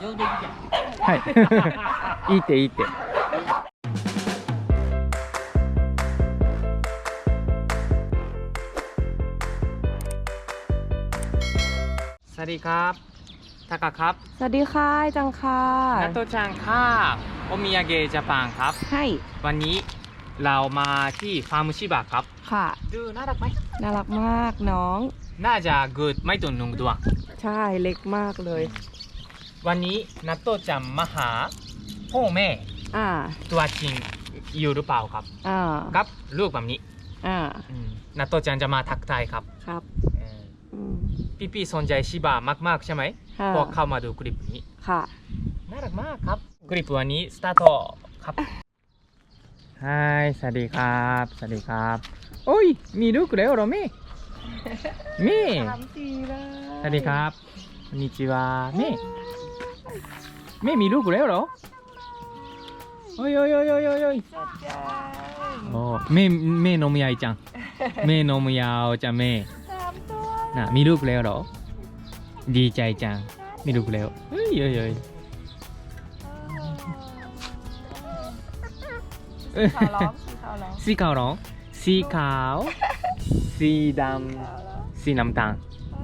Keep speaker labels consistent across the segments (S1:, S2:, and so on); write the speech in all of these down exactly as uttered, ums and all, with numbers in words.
S1: はいいいっていいってสวัสดีครับทากะครับ
S2: สวัสดีค่ะจังค่ะ
S1: นัตโตจังครับโอมิยาเกะญี่ปุ่นครับ
S2: ให้
S1: วันนี้เรามาที่ฟาร์มชิบะครับ
S2: ค่ะ
S1: ดูน่ารักไหม
S2: น่ารักมากน้อง
S1: น่าจะเกิดไม่ถึงหนึ่งเดือน
S2: ใช่เล็กมากเลย
S1: วันนี้นัตโตจังมาหาพ่อแม่
S2: อ่า
S1: ตัวจริงอยู่หรือเปล่าครับ
S2: อ่า
S1: ครับลูกแบบนี้
S2: อ่า
S1: นัตโตจังจะมาทักทายครับ
S2: ครับ
S1: พี่พี่สนใจชิบะมากๆใช่ไหมพอเข้ามาดูคลิปนี้
S2: ค่ะ
S1: น่ารักมากครับคลิปวันนี้สตาร์ทครับฮายสวัสดีครับสวัสดีครับโอ้ยมีลูกแล้วเหรอแม่แม่สวัสดีครับこんにちはแม่แม่มีลูกแล้วเหรอโอ้ยโอ้ยโอ้ยโอ้ยโอ้ยโอ้แม่แม่นมยายจังแม่นมยาวจังแม่น่ะมีลูกแล้วเหรอดีใจจังมีลูกแล้วเฮ้ยเฮ้ยเฮ้ยสีขาวร้องสีขาวสีดำสีน้ำตาล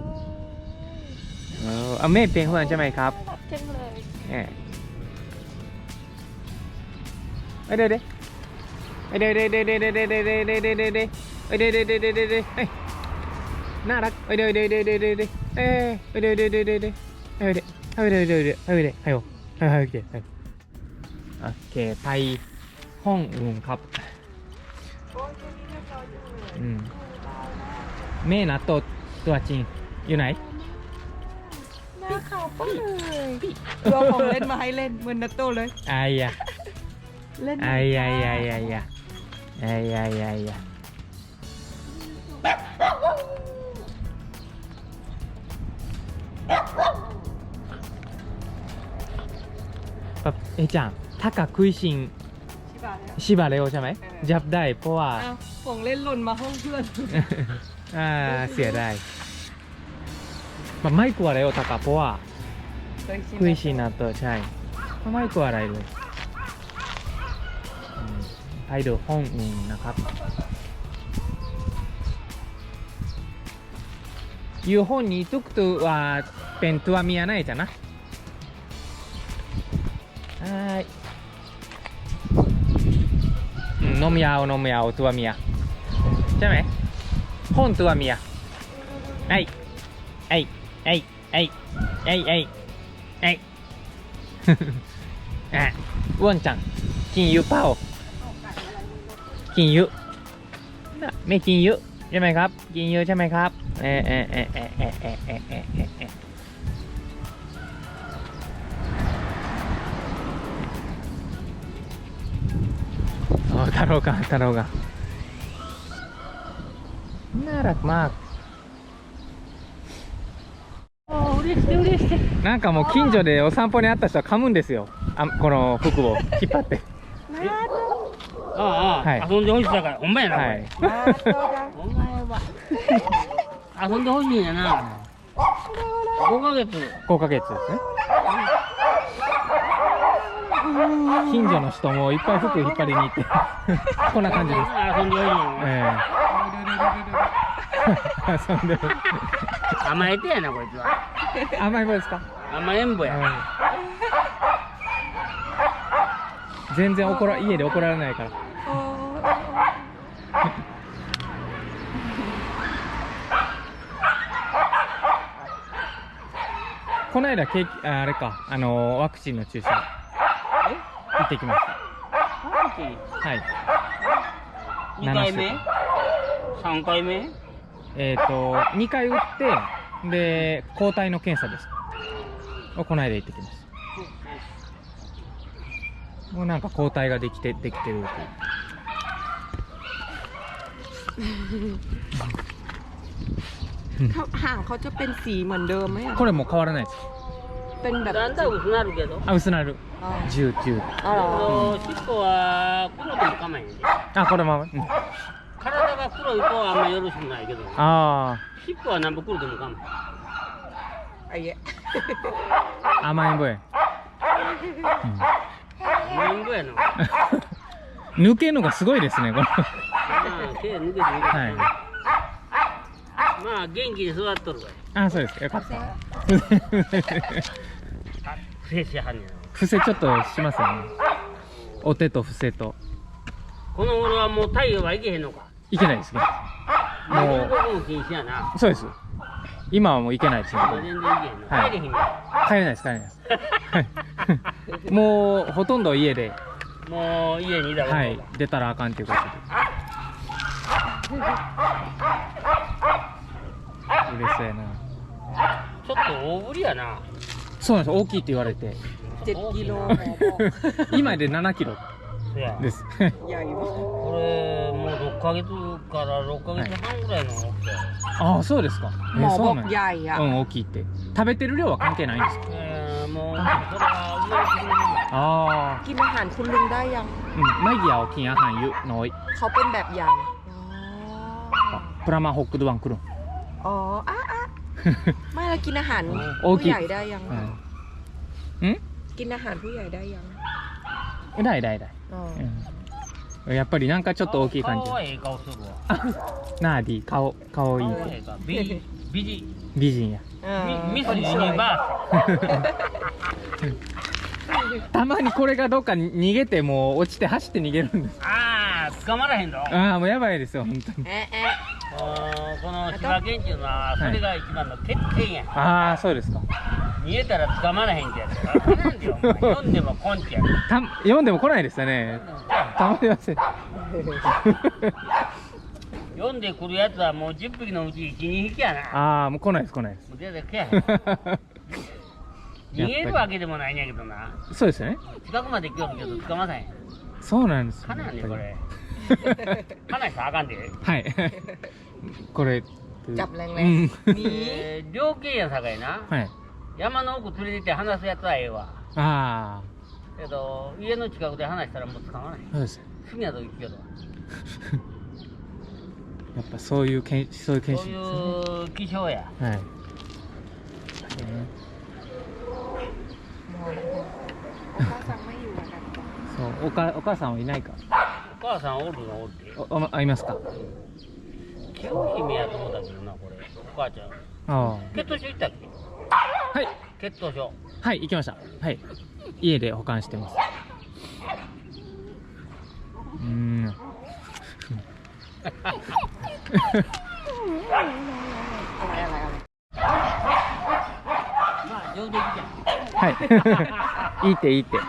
S1: เออแม่เป็นคนใช่ไหมครับ
S2: เช่นเลย
S1: เออเดี๋ยวเดี๋ยวเดี๋ยวเดี๋ยวเดี๋ยวเดี๋ยวเดี๋ยวเดี๋ยวเดี๋ยวเดี๋ยวเดี๋ยวเดี๋ยวเดี๋ยวเดี๋ยวเดี๋ยวเดี๋ยวเดี๋ยวเดี๋ยวน่ารักเดี๋ยวเดี๋ยวเดี๋ยวเดี๋ยวเดี๋ยวเดี๋ยวเอ้ยเดี๋ยวเดี๋ยวเดี๋ยวเดี๋ยวเดี๋ยวเดี๋ยวเดี๋ยวเดี๋ยวเดี๋ยวเดี๋ยวเดี๋ยวเดี๋ยวเดี๋ยวให้โอ้ให้ให้โอเคโอเคไปห้องอุ่นครับอืมแม่นัตโตตัวจริงอยู่ไหน
S2: หน้าขาวป้เลยตัวของเล่นมาให้เล่นเหมือนนัตโตเลย
S1: ไอ้ยะ
S2: เล่น
S1: ไอ้ยะไอ้ยะไอ้ยะไอ้ยะไอ้ยะแบบเอจังถ้ากับคุยชิงชิบะเร็วใช่ไหมจับได้เพราะว่า
S2: ของเล่นหล่นมาห้องเพื่อน
S1: อ่าเสียได้มันไม่กลัวอะไรโอตากะเพราะว่าคุยชินนะตัวใช่ไม่กลัวอะไรเลยไปดูห้องอื่นนะครับอยู่ห้องนี้ทุกตัวว่าเป็นตัวเมียないじゃなはいนมยาวนมยาวตัวเมียใช่ไหมห้องตัวเมียไอ้ไอ้ไอ้ไอ้ไอ้ไอ้ไอ้อ่ะอ้วนจังกินเยอะเปล่ากินเยอะไม่กินเยอะใช่ไหมครับกินเยอะใช่ไหมครับเออเออเออเออเออเออเออเออเออโอ้ทาโร่กันทาโร่กันน่ารักมากなんかもう近所でお散歩にあった人は噛むんですよあこの服を引っ張って
S3: ああ、はい、遊んでほしいだからほんまやな、はい、お前は遊んでほしいんやなごかげつ
S1: ごかげつですね近所の人もいっぱい服引っ張りに行ってこんな感じです
S3: 遊んでほしいんや、
S1: ええ、遊んでる
S3: 甘えてやなこいつは
S1: 甘えん坊ですか
S3: 甘えん坊や、うん、
S1: 全然怒ら家で怒られないからこの間ケーキあれかあのワクチンの注射行ってきました
S3: ワクチン
S1: はい
S3: にかいめさんかいめ
S1: えっとにかい打ってで抗体の検査ですをこの間行ってきましたもうなんか抗体ができてできてる
S2: ห่างเขาจะเป็นสีเหมือนเดิมไหมอ่ะ
S1: これもう変わらないです
S2: เป็นแบบ
S3: だんだん薄なるけど
S1: あ薄なるじゅう、じゅう
S2: あら
S3: 尻尾は黒でも構えんね
S1: あこれも、うん、
S3: 体が黒い子はあんまよろしくないけど
S1: ああ
S3: 尻尾はなんぼ黒でも構えん
S2: あいえ
S1: 甘えん坊や
S3: 何ぐやの。
S1: 抜けるのがすごいですね、この。
S3: ああ、手抜けて抜けて。
S1: はい。
S3: まあ元気に座っとるわい。
S1: あ、そうです。よかった。
S3: フェイスやはんねや。
S1: 伏せちょっとしますよね。お手と伏せと。
S3: この頃はもう太陽はいけへんのか。
S1: いけないですね。
S3: も
S1: も
S3: う動くも禁止やな。
S1: う、そうです。今はもういけないですね。
S3: 全然いけへんの。
S1: はい
S3: 帰れへんねん。
S1: 帰れないです、帰れないです。はいもうほとんど家で、
S3: もう家にいたら。
S1: はい、出たらあかんということで。嬉しそうやな。
S3: ちょっと大ぶりやな。
S1: そうなんです、大きいって言われて。
S2: เจ็ดกิโลหมอบอก
S1: 今でななキロ
S3: そや。
S1: です。
S2: ใหญ่มาก
S3: これもうろっかげつからろっかげつはんぐらいの大きさや。
S1: ああ、そうですか。え
S2: หมอ
S1: そ
S2: บ
S1: う
S2: อก
S1: なんや。
S2: ใหญ่อะ
S1: うん、大きいって。食べてる量は関係ないんですか。
S3: えー、もうそれは生まれてくるもんだ。
S1: ああ、
S2: กินอาหารคุณลุงได้ยัง
S1: うん、マギアを金อาหารゆน้อย
S2: เขาเป็นแบบใหญ่อ๋อ
S1: プラマホックドワン来るん。
S2: อ๋ออ่ะอ่ะไม่แล้วกินอาหาร
S1: โอ
S2: ผู้
S1: เค
S2: ใหญ่ได้ยัง
S1: うん。
S2: กินอาหารผู้ใหญ่ได้ยัง
S1: うん。だいだいだい。
S2: อ๋อ
S1: うん。やっぱりなんかちょっと大きい感じ
S3: 顔。はええ顔するわ。
S1: あ、ナーディ、顔、顔いい
S3: 顔。はええ顔。美美人。
S1: 美人や。
S2: เออ
S3: ミミス
S2: คน
S3: ユ
S2: สวย
S3: ニバ
S1: たまにこれがどっかに逃げてもう落ちて走って逃げるんです。
S3: ース。ああ、捕まらへんの。
S1: ああ、もうやばいですよ、本当に。
S2: แอะแอะ
S3: あーこの千葉県っていうのはそれが一番の欠点や。
S1: ああ、そうですか。
S3: 逃げたら捕まらへんってやつやから。なんでよ、お前読んでもこんちや。
S1: た読んでも来ないですよね。たまりません。
S3: 読んでくるやつはもうじゅっぴきのうちいち、にひきやな。
S1: ああ、もう来ないです、来ないです。
S3: もう出てけやへん。逃げるわけでもないんやけどな。
S1: そうですよね。
S3: 近くまで来よるけど捕まらへん。
S1: そうなんですよ。
S3: かなやねんこれ。
S1: やっぱり
S3: かなしたらあかんで。
S1: はい。これ。
S2: จับแรง
S1: う
S2: ๆ
S1: ん
S2: มี
S3: えー、猟犬やさかいな。
S1: はい。
S3: 山の奥連れてって話すやつはええわ。
S1: あ
S3: けど家の近くで話したらもう捕まらへん。
S1: あ、そうです。
S3: 好きなとこ行くけど。
S1: やっぱそういうけん、そういう研
S3: そう
S1: 修ですね。
S3: いう気象や。
S1: はい。
S2: お母さんไม่อยู่อะนะ
S1: そう、おか、お母さんはいないか。
S3: お母さんおるのおるで。
S1: お、お、会いますか。
S3: 清姫やと思ったけどな、これ。お母ちゃん。
S1: あ
S3: 血糖症行ったっけ？
S1: あ。はい。
S3: 血糖症。
S1: はい、行きました。はい。家で保管してます。うーん。
S2: อะไรอะไรอะไร
S3: まあ上出来じゃん。
S1: はい。いいっていいって。よ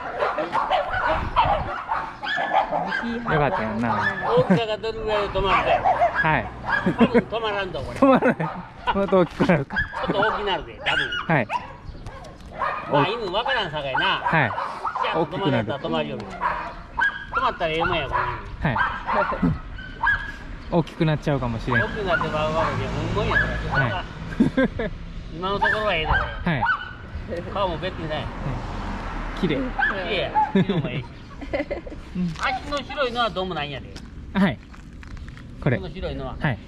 S2: ที่หา
S1: かったよな。
S3: 大きさがどれぐらいで止まるかや。
S1: はい。
S3: 多分止まらんぞ、これ。ち
S1: 止まらない。もっと大きくなるか。
S3: ょっと大きくなるで、多分。
S1: はい。
S3: まあ犬わからんさかいな。
S1: はい。
S3: じゃあ止まらんと止まるよ。止まったらええもんや、この
S1: はい。大きくなっちゃうかもしれ
S3: 犬。
S1: ん。
S3: 大きくなってまうわけで、ほんまや、これ。
S1: はい。
S3: 今のところはええで、こ
S1: はい。
S3: れ。顔もべっぴんない。
S1: 綺麗。
S3: 綺麗や。色もええし。足の白いのはどうもないんやで。
S1: はい。これ。
S3: この白いのは。
S1: はい。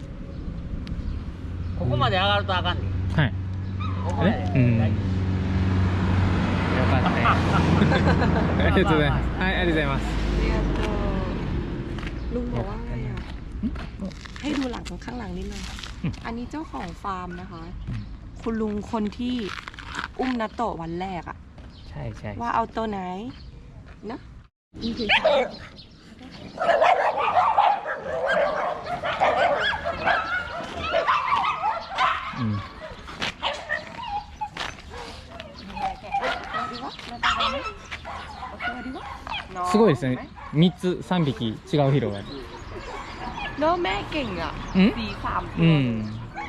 S3: ここまで上がるとあかんで。
S1: はい。
S3: ここまで。
S1: えうんよかったよ。ありがとうございます。はい、ありがとうございます。
S2: เรียนเออลุงบอกว่าไงอ่ะ ให้ดูหลังข้างหลังนิดนึง
S1: อืม
S2: อันนี้เจ้าของฟาร์มนะคะ คุณลุงคนที่อุ้มนัตโตะวันแรกอะ
S1: ใช่ใช่
S2: ว่าเอาตัวไหนนะ
S1: うん。すごいですね。三つ、三匹違う色がある。
S2: เนาะแม่เก่งอ่ะ
S1: うん
S2: สีสามตั
S1: う
S2: ว
S1: ん。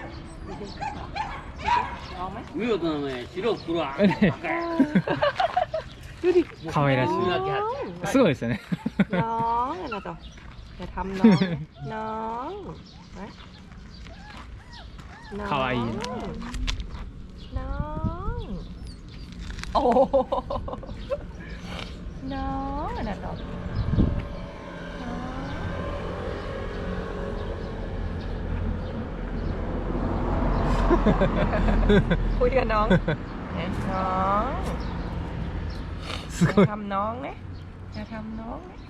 S2: เอาไหม
S3: 見事なね、白黒は。
S1: ね
S3: 赤や
S2: ดูดิ
S1: 可愛らしい
S2: น้อง
S1: すごいですよね。
S2: น้องอะไรต่ออย่าทำน้องน้องนะน้อง
S1: かわいいな。
S2: น้องโอ้น้องอะไรต่อคุยกับน้องน้อง
S1: すごい
S2: ทำน้องนะอย่าทำน้องนะ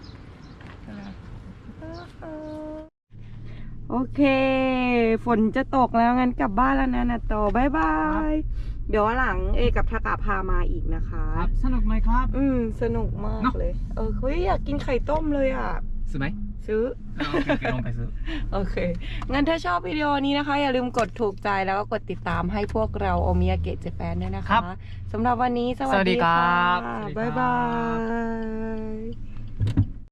S2: โอเค ฝนจะตกแล้วงั้นกลับบ้านแล้วนะนาโตบายบาย เดี๋ยววันหลังเอกับทากะพามาอีกนะคะ
S1: ครับสนุกไหมครับ
S2: อืมสนุกมาก
S1: เนอะ
S2: เลย เออเฮ้ยอยากกินไข่ต้มเลยอ่ะ
S1: ซื้อไหม
S2: ซื้อ
S1: อ่าโอเคโอเคลองไปซื้อ
S2: โอเค งั้นถ้าชอบวิดีโอนี้นะคะ อย่าลืมกดถูกใจแล้วก็กดติดตามให้พวกเราโอมิยาเกะเจแปนด้วยนะ
S1: ครั
S2: คะ
S1: บ
S2: สำหรับวันนี้สวัส
S1: สวัสดี
S2: ดี
S1: ครั
S2: ค่ะ
S1: บสวัสดีครับ
S2: บ๊ายบาย